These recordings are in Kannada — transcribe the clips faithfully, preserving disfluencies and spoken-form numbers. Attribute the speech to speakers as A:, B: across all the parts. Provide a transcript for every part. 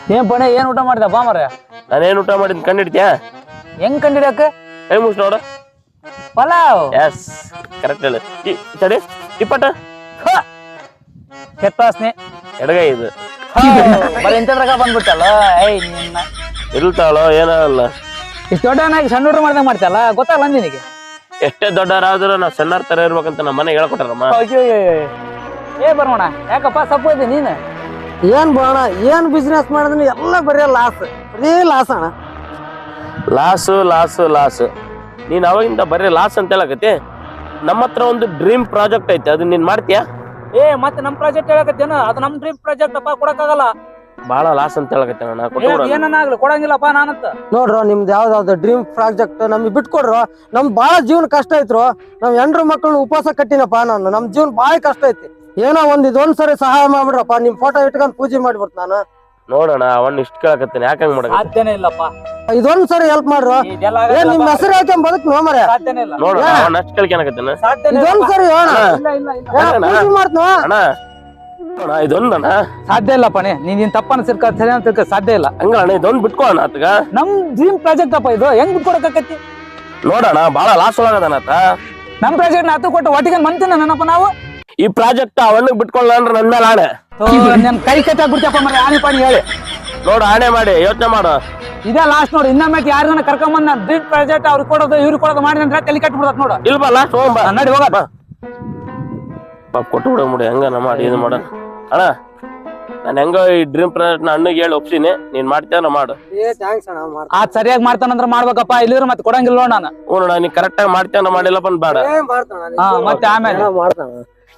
A: ಏನ್ ಪಣೆ ಏನ್ ಊಟ ಮಾಡಿದ ಬಾ ಮರ
B: ನಾನೇನ್ ಊಟ ಮಾಡಿದ್ ಕಂಡಿಡ್ತೀಯ
A: ಹೆಂಗ್ ಕಂಡಿಡಕ
B: ಕೈ ಮುಸ್ ನೋಡು
A: ಪಲಾವ್
B: ಎಸ್ ಕರೆಕ್ಟ್ ಹೇಳಿ ತಡಿ ಇಪ್ಪಟ್ಟ
A: ಕೆತ್ತಾಸ್ನೆ
B: ಎಡಗೈ ಇದು
A: ಬರೀ ಇಂಥದ್ರಾಗ ಬಂದ್ಬಿಟ್ಟಲ್ಲ ಏಯ್ ನಿನ್ನ
B: ಇಲ್ತಾಳೋ ಏನಾಗಲ್ಲ
A: ಇಷ್ಟು ದೊಡ್ಡವನಾಗಿ ಸಣ್ಣ ಊಟ ಮಾಡ್ದಂಗ ಮಾಡ್ತಲ್ಲ ಗೊತ್ತಾಗಲ್ಲ ನಿನಗೆ
B: ಎಷ್ಟೇ ದೊಡ್ಡವರಾದ್ರೂ ನಾವು ಸಣ್ಣರ ತರ ಇರ್ಬೇಕಂತ ನಮ್ಮ ಮನೆಗೆ ಹೇಳ್ಕೊಟ್ಟಾರಮ್ಮ
A: ಏ ಬರೋಣ ಯಾಕಪ್ಪ ಸಪ್ಪು ಇದೆ ನೀನು
C: ಏನ್ ಬರೋಣ ಏನ್ ಬಿಸ್ನೆಸ್ ಮಾಡಿದ್ರೆ ಎಲ್ಲ ಬರೀ ಲಾಸ್ ಬರೀ ಲಾಸ್ ಅಣ್ಣ
B: ಲಾಸು ಲಾಸು ಲಾಸು ನೀನ್ ಅವಾಗಿಂದ ಬರೀ ಲಾಸ್ ಅಂತ ಹೇಳಕತ್ತಿ ನಮ್ಮ ಹತ್ರ ಒಂದು ಡ್ರೀಮ್ ಪ್ರಾಜೆಕ್ಟ್ ಐತೆ ಅದನ್ನ ನೀನ್ ಮಾಡ್ತೀಯಾ
A: ಏ ಮತ್ತೆ ನಮ್ ಪ್ರಾಜೆಕ್ಟ್ ಹೇಳಕತ್ತೇನ ಅದು ನಮ್ ಡ್ರೀಮ್ ಪ್ರಾಜೆಕ್ಟ್ ಅಪ್ಪ ಕೊಡಕ್ಕಾಗಲ್ಲ
B: ಬಹಳ ಲಾಸ್ ಅಂತ ಹೇಳಕತ್ತೆ ನಾ
A: ಏನನ್ನಾಗ್ಲಿ ಕೊಡಂಗಿಲ್ಲಪ್ಪ ನಾನಂತ
C: ನೋಡ್ರೋ ನಿಮ್ದು ಯಾವ್ದಾವ್ದು ಡ್ರೀಮ್ ಪ್ರಾಜೆಕ್ಟ್ ನಮ್ಗೆ ಬಿಟ್ಕೊಡ್ರು ನಮ್ ಬಾಳ ಜೀವನ ಕಷ್ಟ ಐತ್ರು ನಾವ್ ಹೆಂಡ್ರು ಮಕ್ಕಳನ್ನ ಉಪವಾಸ ಕಟ್ಟಿನಪ್ಪ ನಾನು ನಮ್ ಜೀವನ ಬಾಳ ಕಷ್ಟ ಐತಿ ಏನೋ ಒಂದ್ ಇದೊಂದ್ ಸರಿ ಸಹಾಯ ಮಾಡ್ಬಿಡ್ರಪ್ಪ ನಿಮ್ ಫೋಟೋ ಇಟ್ಕೊಂಡ್ ಪೂಜೆ ಮಾಡ್ಬಿಡ್ತ ನಾನು
B: ನೋಡೋಣ ಅವನ್ ಇಷ್ಟ ಕೇಳಕತ್ತೇನೆ ಯಾಕಂಗ್ ಮಾಡ
A: ಸಾಧ್ಯನೇ ಇಲ್ಲಪ್ಪ
C: ಇದೊಂದ್ ಸರಿ ಹೆಲ್ಪ್ ಮಾಡ್ರು ಏನ್ ನಿಮ್ ಹೆಸರು ಹಾಕೊಂಡ್ ಬದುಕ್ ನೋಮರ
A: ಸಾಧ್ಯನೇ ಇಲ್ಲ
B: ನೋಡೋಣ ಅವನ್ ಅಷ್ಟ್ ಕೇಳ್ಕೊಳಕತ್ತೇನೆ
C: ಇದೊಂದ್ ಸರಿ ಪೂಜೆ ಮಾಡ್ತವ
B: ಅಣ್ಣ ಅಣ್ಣ ಇದೊಂದಣ್ಣ
A: ಸಾಧ್ಯ ಇಲ್ಲ ಪಣೆ ನೀನ್ ತಪ್ಪನ ಸಿರ್ಕ ಸರಿ ಅಂತ ತಿಳ್ಕ ಸಾಧ್ಯ ಇಲ್ಲ
B: ಹಂಗ ಅಣ್ಣ ಇದೊಂದ್ ಬಿಟ್ಕೋ ಅಣ್ಣ ಆತಗ
A: ನಮ್ ಡ್ರೀಮ್ ಪ್ರಾಜೆಕ್ಟ್ ಅಪ್ಪ ಇದು ಹೆಂಗ್ ಬಿಟ್ಕೊಡಕತ್ತಿ
B: ನೋಡೋಣ ಬಹಳ ಲಾಸ್ ಒಳಗದನತ
A: ನಮ್ ಪ್ರಾಜೆಕ್ಟ್ ನ ಹತ್ತು ಕೊಟ್ಟು ಒಟ್ಟಿಗೆ ಮಂತಿನ ನನ್ನಪ್ಪ ನಾವು
B: ಈ ಪ್ರಾಜೆಕ್ಟ್ ಅವನಿಗೆ ಬಿಟ್ಕೊಳ್ಳ ಅಂದ್ರೆ ನನ್ ಮೇಲೆ ಆಣೆ
A: ನನ್ ಕೈ ಕಟ್ಟಾಗ್ಬಿಡ್ತಪ್ಪ ಮರ ಆನೆ ಪಾಣಿ ಹೇಳಿ
B: ನೋಡು ಆಣೆ ಮಾಡಿ ಯೋಚನೆ ಮಾಡು
A: ಇದೇ ಲಾಸ್ಟ್ ನೋಡಿ ಇನ್ನೊಮ್ಮೆ ಯಾರನ್ನ ಕರ್ಕೊಂಬಂದ್ ನಾನು ಡ್ರೀಮ್ ಪ್ರಾಜೆಕ್ಟ್ ಅವ್ರಿಗೆ ಕೊಡೋದು ಇವ್ರಿಗೆ ಕೊಡೋದು ಮಾಡಿ ಅಂದ್ರೆ ತಲೆ ಕಟ್ಬಿಡತ್ ನೋಡು
B: ಇಲ್ವಾ ಲಾಸ್ಟ್ ಹೋಗ್ಬಾ
A: ನಡಿ ಹೋಗಪ್ಪ
B: ಪಾಪ ಕೊಟ್ಟು ಬಿಡ ಮುಡಿ ಹಂಗನ ಮಾಡಿ ಇದು ಮಾಡ ಅಣ್ಣ ನಾನು ಹೆಂಗ ಈ ಡ್ರೀಮ್ ಪ್ರಾಜೆಕ್ಟ್ ನ ಅಣ್ಣಗೆ ಹೇಳಿ ಒಪ್ಸಿನಿ ನೀನ್ ಮಾಡ್ತೀಯ ಮಾಡು
A: ಆ ಸರಿಯಾಗಿ ಮಾಡ್ತಾನಂದ್ರ ಮಾಡ್ಬೇಕಪ್ಪ ಇಲ್ಲಿದ್ರೆ ಮತ್ತೆ ಕೊಡಂಗಿಲ್ಲ ನಾನು
B: ಹ್ಞೂ ನೋಡ ನೀ ಕರೆಕ್ಟ್ ಆಗಿ ಮಾಡ್ತೀಯ ಮಾಡಿಲ್ಲ ಬಂದ್ ಬೇಡ
A: ಹಾ ಮತ್ತೆ ಆಮೇಲೆ
C: ಮಾಡ್ತಾನ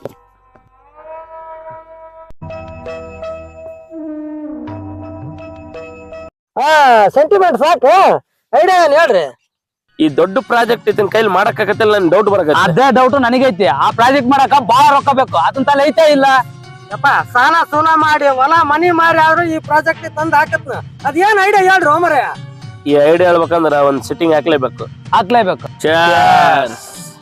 C: ಹಾ ಸೆಂಟಿಮೆಂಟ್ ಸಾಕು ಐಡಿಯಾ ಏನ್ ಹೇಳ್ರಿ
B: ಈ ದೊಡ್ಡ ಪ್ರಾಜೆಕ್ಟ್ ಇದನ್ ಕೈಲಿ ಮಾಡಕ್ ಆಗತ್ತಿಲ್ಲ ನನ್ ಡೌಟ್ ಬರಕ
A: ಅದೇ ಡೌಟ್ ನನಗೈತಿ ಆ ಪ್ರಾಜೆಕ್ಟ್ ಮಾಡಕ ಬಾಳ ರೊಕ್ಕ ಬೇಕು ಅದನ್ನ ತಲೆ ಐತೆ ಇಲ್ಲ
C: ಯಪ್ಪ ಸಾಲ ಸೂಲ ಮಾಡಿ ಹೊಲ ಮನಿ ಮಾರಿ ಆದ್ರೂ ಈ ಪ್ರಾಜೆಕ್ಟ್ ತಂದ್ ಹಾಕತ್ನ ಅದೇನ್ ಐಡಿಯಾ ಹೇಳ್ರಿ ಓಮರ
B: ಈ ಐಡಿಯಾ ಹೇಳ್ಬೇಕಂದ್ರ ಒಂದ್ ಸಿಟ್ಟಿಂಗ್ ಹಾಕ್ಲೇಬೇಕು
A: ಹಾಕ್ಲೇಬೇಕು
B: Cheers.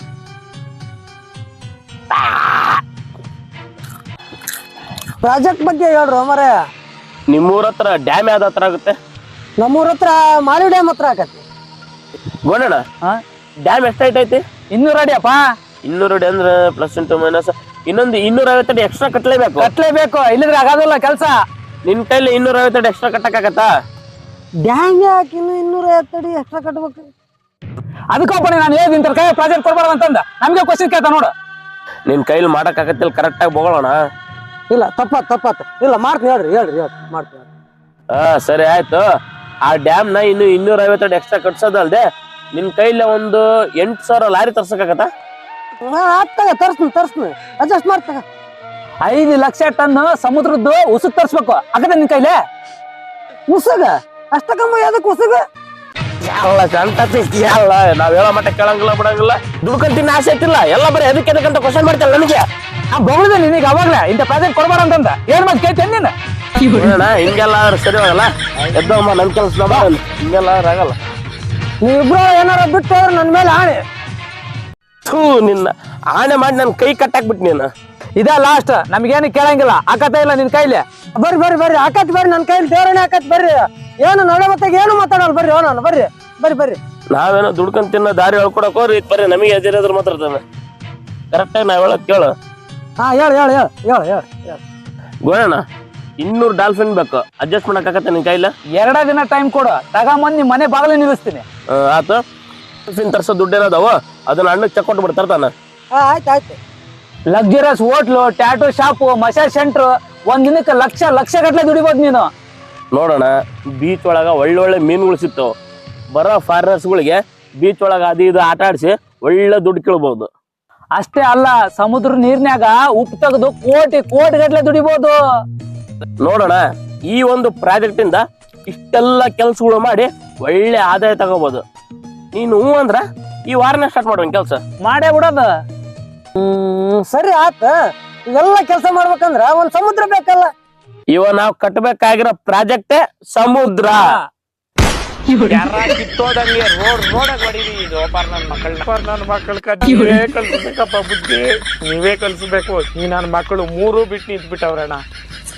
C: ಪ್ರಾಜೆಕ್ಟ್ ಬಗ್ಗೆ ಹೇಳ್ರಿ ಓಮರ
B: ನಿಮ್ಮೂರ ಹತ್ರ ಡ್ಯಾಮ್ ಯಾವ್ದು ಹತ್ರ ಆಗುತ್ತೆ
C: ನಮ್ಮೂರ ಹತ್ರ ಮಾಲಿ ಡ್ಯಾಮ್ ಹತ್ರ ಹಾಕತ್ತಿ
B: ಗೋಣಣ್ಣ ಡ್ಯಾಮ್ ಎಷ್ಟೈತೈತಿ
A: ಇನ್ನೂರ ಅಡಿಯಪ್ಪ
B: ಇನ್ನೂರು ಅಡಿ ಅಂದ್ರೆ ಪ್ಲಸ್ ಇಂಟು ಮೈನಸ್ ಇನ್ನೊಂದು ಇನ್ನೂರ ಐವತ್ತು ಅಡಿ ಎಕ್ಸ್ಟ್ರಾ ಕಟ್ಲೇಬೇಕು
A: ಕಟ್ಲೇಬೇಕು ಇಲ್ಲಿದ್ರೆ ಆಗೋದಿಲ್ಲ ಕೆಲಸ
B: ನಿನ್ ಕೈಲಿ ಇನ್ನೂರ ಐವತ್ತು ಅಡಿ ಎಕ್ಸ್ಟ್ರಾ ಕಟ್ಟಕ್ಕಾಗತ್ತಾ
C: ಡ್ಯಾಮ್ ಯಾಕೆ ಇನ್ನು ಇನ್ನೂರ ಐವತ್ತು ಅಡಿ ಎಕ್ಸ್ಟ್ರಾ ಕಟ್ಬೇಕು
A: ಅದಕ್ಕೊಬ್ಬನೇ ನಾನು ಹೇಳಿದ ಇಂಥ ಕೈ ಪ್ರಾಜೆಕ್ಟ್ ಕೊಡ್ಬಾರ್ದು ಅಂತಂದ ನಮ್ಗೆ ಕ್ವಶನ್ ಕೇಳ್ತಾ ನೋಡು
B: ನಿನ್ ಕೈಲಿ ಮಾಡಕ್ ಆಗತ್ತಿಲ್ಲ ಕರೆಕ್ಟ್ ಆಗಿ ಬೋಗೋಣ
C: ಇಲ್ಲ ತಪ್ಪಾತ್ ತಪ್ಪಾತ್ ಇಲ್ಲ ಮಾಡ್ತೀನಿ ಹೇಳ್ರಿ ಹೇಳ್ರಿ ಹೇಳ್ರಿ ಮಾಡ್ತೀನಿ
B: ಹಾ ಸರಿ ಆಯ್ತು ಆ ಡ್ಯಾಮ್ ನ ಇನ್ನು ಇನ್ನೂರ ಐವತ್ತು ಅಡಿ ಎಕ್ಸ್ಟ್ರಾ ಕಟ್ಸೋದಲ್ದೆ ನಿನ್ ಕೈಲಿ ಒಂದು ಎಂಟು ಸಾವಿರ ಲಾರಿ ತರ್ಸಕ್ಕಾಗತ್ತಾ
C: ಆಗ್ತಾಗ ತರ್ಸ್ತೀನಿ ತರ್ಸ್ತೀನಿ ಅಡ್ಜಸ್ಟ್ ಮಾಡ್ತಾಗ
A: ಐದು ಲಕ್ಷ ಟನ್ ಸಮುದ್ರದ್ದು ಉಸುಕ್ ತರ್ಸ್ಬೇಕು ಆಗದ ನಿನ್ ಕೈಲೇ
C: ಉಸುಗ ಅಷ್ಟ ಕಮ್ಮ ಯಾವ್ದಕ್ ಉಸುಗ
B: ಎಲ್ಲ ಸಂತತಿ ಎಲ್ಲ ನಾವ್ ಹೇಳೋ ಮಟ್ಟ ಕೇಳಂಗಿಲ್ಲ ಬಿಡಂಗಿಲ್ಲ ದುಡ್ಕೊಂತೀನಿ ಆಸೆ ಐತಿಲ್ಲ ಎಲ್ಲ ಬರೀ ಅದಕ್ಕೆ ಅದಕ್ಕಂತ ಕ್ವಶನ್ ಮಾಡ್ತಾರ ನನಗೆ
A: ಆ ಬೊಗಳದೆ ನಿನಗೆ ಅವಾಗ್ಲೇ ಇಂಥ ಪ್ರಾಜೆಕ್ಟ್ ಕೊಡ್ಬಾರ ಅಂತಂದ ಏನ್ ಮಾತು ಕೇಳ್ತೇನೆ ನೀನು
B: ನೋಡೋಣ ಹಿಂಗೆಲ್ಲ ಆದ್ರೆ ಸರಿ ಹೋಗಲ್ಲ ಎದ್ದಮ್ಮ ನನ್ ಕೆಲಸ ಹಿಂಗೆಲ್ಲ ಆದ್ರೆ ಆಗಲ್ಲ
C: ನೀವಿಬ್ರು ಏನಾರ ಬಿಟ್ಟು ಹೋದ್ರೆ ನನ್ ಮೇಲೆ ಆಣೆ
B: ಥೂ ನಿನ್ನ ಆಣೆ ಮಾಡಿ ನನ್ ಕೈ ಕಟ್ಟಾಕ್ಬಿಟ್ಟು ನೀನು
A: ಇದ ಲಾಸ್ಟ್ ನಮ್ಗೇನು ಕೇಳಂಗಿಲ್ಲ ಆಕತ ಇಲ್ಲ ನಿನ್ ಕೈಲಿ
C: ಬರ್ರಿ ಬರ್ರಿ ಬರ್ರಿ ಹಾಕತ್ ಬರ್ರಿ ನನ್ ಕೈಲಿ ದೇವರೇ ಹಾಕತ್ ಬರ್ರಿ ಏನು ನಡೆ ಮತ್ತಾಗ ಏನು ಮಾತಾಡಲ್ಲ ಬರ್ರಿ ಓ ನಾನು ಬರ್ರಿ ಬರ್ರಿ ಬರ್ರಿ
B: ನಾವೇನೋ ದುಡ್ಕೊಂಡ್ ತಿನ್ನೋ ದಾರಿ ಹೇಳ್ಕೊಡಕ್ ಹೋರಿ ಬರ್ರಿ ನಮಗೆ ಎದಿರೋದ್ರ ಮಾತಾಡ್ತಾನೆ ಕರೆಕ್ಟಾಗಿ ನಾವ್ ಹೇಳಕ್ ಕೇಳು
C: ಹಾ ಹೇಳ ಹೇಳ ಹೇಳ ಹೇಳ ಹೇಳ ಹೇಳ
B: ಗೋಣ ಇನ್ನೂರು ಡಾಲ್ಫಿನ್ ಬೇಕು ಅಡ್ಜಸ್ಟ್ ಮಾಡಕ್ ಆಗತ್ತೆ ನಿನ್ ಕೈಲ
A: ಎರಡ ದಿನ ಟೈಮ್ ಕೊಡು ತಗೊಂಬಂದ್ ನಿಮ್ ಮನೆ ಬಾಗಿಲು ನಿಲ್ಲಿಸ್ತೀನಿ
B: ಆತು ಡಾಲ್ಫಿನ್ ತರ್ಸೋ ದುಡ್ಡು ಏನದಾವ ಅದನ್ನ ಅಣ್ಣಕ್ಕೆ ಚೆಕ್ ಕೊಟ್ಟು ಬಿಡ್ತಾರ
C: ಹಾ ಆಯ್ತು ಆಯ್ತು
A: luxurious hotel tattoo shop massage centre ಒಂದ್ ದಿನಕ್ಕೆ ಲಕ್ಷ ಲಕ್ಷ ಗಟ್ಲೆ ದುಡಿಬೋದು ನೀನು
B: ನೋಡೋಣ ಬೀಚ್ ಒಳಗ ಒಳ್ಳೊಳ್ಳೆ ಮೀನುಗಳು ಸಿಗ್ತಾವ ಬರೋ ಫಾರಿನರ್ಸ್ಗಳಿಗೆ ಬೀಚ್ ಒಳಗ ಅದು ಇದು ಆಟ ಆಡಿಸಿ ಒಳ್ಳೆ ದುಡ್ಡು ಕೇಳ್ಬಹುದು
A: ಅಷ್ಟೇ ಅಲ್ಲ ಸಮುದ್ರ ನೀರ್ನ್ಯಾಗ ಉಪ್ಪು ತೆಗೆದು ಕೋಟಿ ಕೋಟಿ ಗಟ್ಲೆ ದುಡಿಬಹುದು
B: ನೋಡೋಣ ಈ ಒಂದು ಪ್ರಾಜೆಕ್ಟ್ ಇಂದ ಇಷ್ಟೆಲ್ಲ ಕೆಲ್ಸಗಳು ಮಾಡಿ ಒಳ್ಳೆ ಆದಾಯ ತಗೋಬಹುದು ನೀನು ಹೂ ಅಂದ್ರ ಈ ವಾರನೇ ಸ್ಟಾರ್ಟ್ ಮಾಡುವ ಕೆಲ್ಸ
A: ಮಾಡೇ ಬಿಡೋದು
C: ಹ್ಮ್ ಸರಿ ಆತ ಇವೆಲ್ಲ ಕೆಲಸ ಮಾಡ್ಬೇಕಂದ್ರ ಒಂದ್ ಸಮುದ್ರ ಬೇಕಲ್ಲ
B: ಇವ ನಾವ್ ಕಟ್ಟಬೇಕಾಗಿರೋ ಪ್ರಾಜೆಕ್ಟ್ ಸಮುದ್ರ
D: ಕಿತ್ತೋದಂಗೆ ರೋಡ್ ರೋಡಾಗ ಹೊಡೀರಿ ಇದು ಒಬ್ಬರ ನನ್ನ ಮಕ್ಕಳನ್ನ ನನ್ನ ಮಕ್ಕಳ ನೀವೇ ಕಲ್ಸ್ಬೇಕಪ್ಪ ಬುದ್ಧಿ ನೀವೇ ಕಲ್ಸ್ಬೇಕು ಈ ನನ್ನ ಮಕ್ಕಳು ಮೂರು ಬಿಟ್ಟು ನಿಂತ್ಬಿಟ್ಟವ್ರಣ್ಣ